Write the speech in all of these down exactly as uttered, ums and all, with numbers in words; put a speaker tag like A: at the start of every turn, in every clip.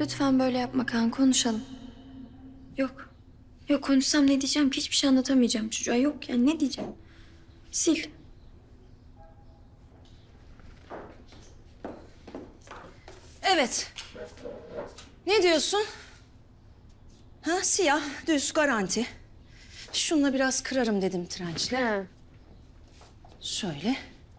A: Lütfen böyle yapma Kaan, konuşalım. Yok. Yok, konuşsam ne diyeceğim ki? Hiçbir şey anlatamayacağım çocuğa. Yok yani, ne diyeceğim? Sil.
B: Evet. Ne diyorsun? Ha, siyah, düz, garanti. Şununla biraz kırarım dedim trençle.
C: Ha.
B: Şöyle.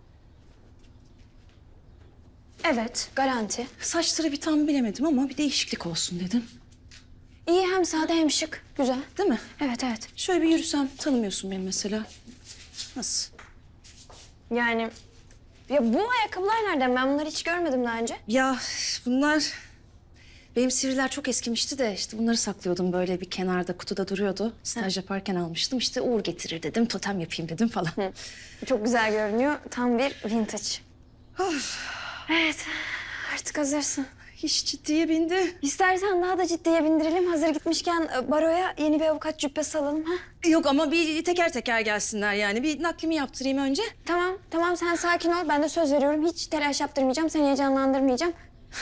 C: Evet, garanti.
B: Saçları bir tam bilemedim ama bir değişiklik olsun dedim.
C: İyi, hem sade hem şık. Güzel.
B: Değil mi?
C: Evet, evet.
B: Şöyle bir yürüsem tanımıyorsun beni mesela. Nasıl?
C: Yani ya bu ayakkabılar nereden? Ben bunları hiç görmedim daha önce.
B: Ya bunlar... Benim sivriler çok eskimişti de işte bunları saklıyordum böyle bir kenarda kutuda duruyordu. Staj yaparken almıştım. İşte Uğur getirir dedim, totem yapayım dedim falan.
C: Hı. Çok güzel görünüyor. Tam bir vintage. Evet, artık hazırsın.
B: Hiç ciddiye bindi.
C: İstersen daha da ciddiye bindirelim. Hazır gitmişken e, baroya yeni bir avukat cübbesi alalım. Ha?
B: Yok ama bir teker teker gelsinler yani. Bir naklimi yaptırayım önce.
C: Tamam, tamam sen sakin ol. Ben de söz veriyorum. Hiç telaş yaptırmayacağım. Seni heyecanlandırmayacağım.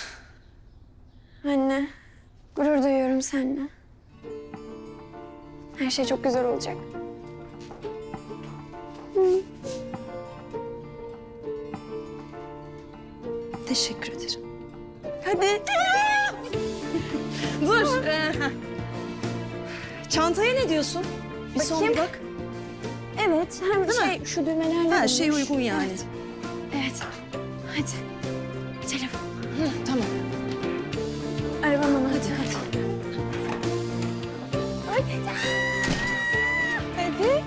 C: Anne, gurur duyuyorum seninle. Her şey çok güzel olacak.
B: Teşekkür ederim.
C: Hadi.
B: Dur. ee, Çantaya ne diyorsun? Bir son
C: Bakayım.
B: bak.
C: Evet, hem
B: Değil
C: şey,
B: mi?
C: şu düğmelerle
B: Her şey
C: olmuş.
B: uygun yani.
C: Evet. Evet. Hadi. Telefon.
B: Hı, tamam.
C: Arabam ana.
B: Hadi hadi.
C: Hadi. Hadi.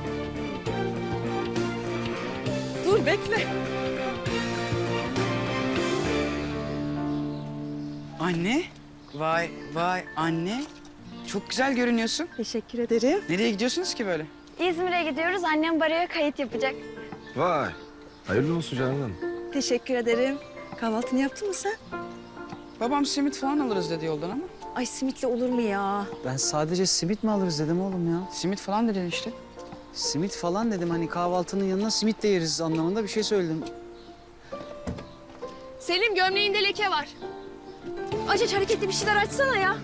B: Dur bekle.
D: Anne, vay vay anne. Çok güzel görünüyorsun.
B: Teşekkür ederim.
D: Nereye gidiyorsunuz ki böyle?
C: İzmir'e gidiyoruz. Annem baroya kayıt yapacak.
E: Vay. Hayırlı olsun canım.
B: Teşekkür ederim. Kahvaltını yaptın mı sen?
D: Babam simit falan alırız dedi yoldan ama.
B: Ay simitle olur mu ya?
F: Ben sadece simit mi alırız dedim oğlum ya.
D: Simit falan dedin işte.
F: Simit falan dedim hani kahvaltının yanına simit de yeriz anlamında bir şey söyledim.
G: Selim, gömleğinde leke var. Aç aç, hareketli bir şeyler açsana ya.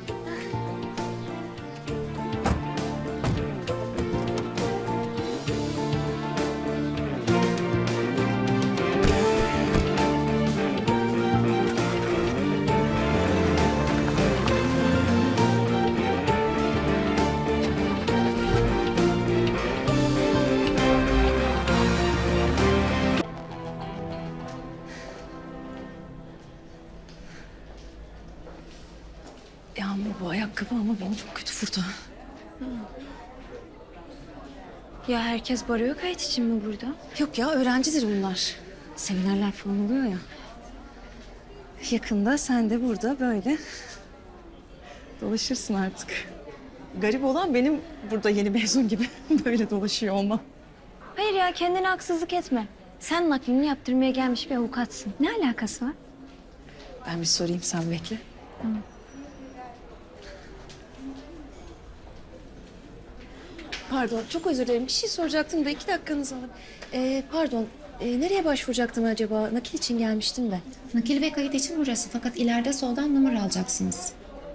B: Yağmur bu ayakkabı ama beni çok kötü vurdu.
A: Ya herkes baroya kayıt için mi burada?
B: Yok ya öğrencidir bunlar. Seminerler falan oluyor ya. Yakında sen de burada böyle dolaşırsın artık. Garip olan benim burada yeni mezun gibi böyle dolaşıyor olmam.
C: Hayır ya, kendine haksızlık etme. Sen naklini yaptırmaya gelmiş bir avukatsın. Ne alakası var?
B: Ben bir sorayım sen bekle. Pardon, çok özür dilerim. Bir şey soracaktım da iki dakikanızı alın. Ee, pardon, ee, nereye başvuracaktım acaba? Nakil için gelmiştim de.
H: Nakil ve kayıt için burası fakat ileride soldan numara alacaksınız.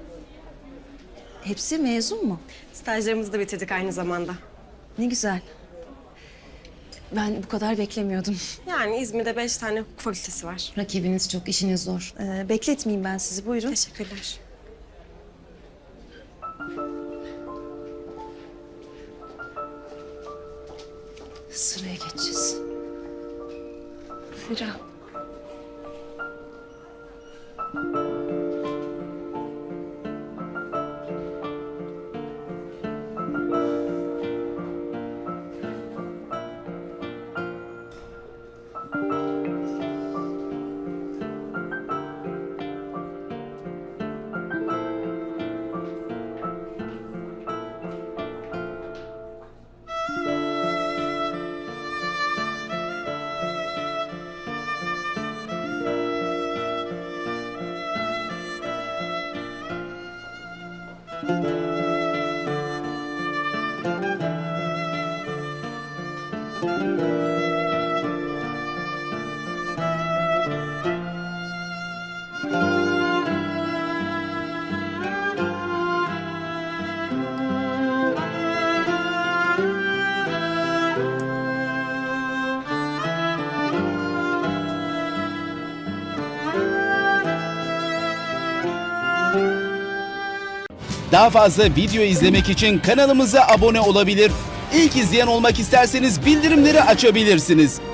B: Hepsi mezun mu?
G: Stajlarımızı da bitirdik aynı zamanda.
B: Ne güzel. Ben bu kadar beklemiyordum.
G: Yani İzmir'de beş tane hukuk fakültesi var.
H: Rakibiniz çok, işiniz zor.
B: Ee, bekletmeyeyim ben sizi. Buyurun.
G: Teşekkürler.
B: Sıraya geçeceğiz.
C: Sıra.
I: Daha fazla video izlemek için kanalımıza abone olabilir. İlk izleyen olmak isterseniz bildirimleri açabilirsiniz.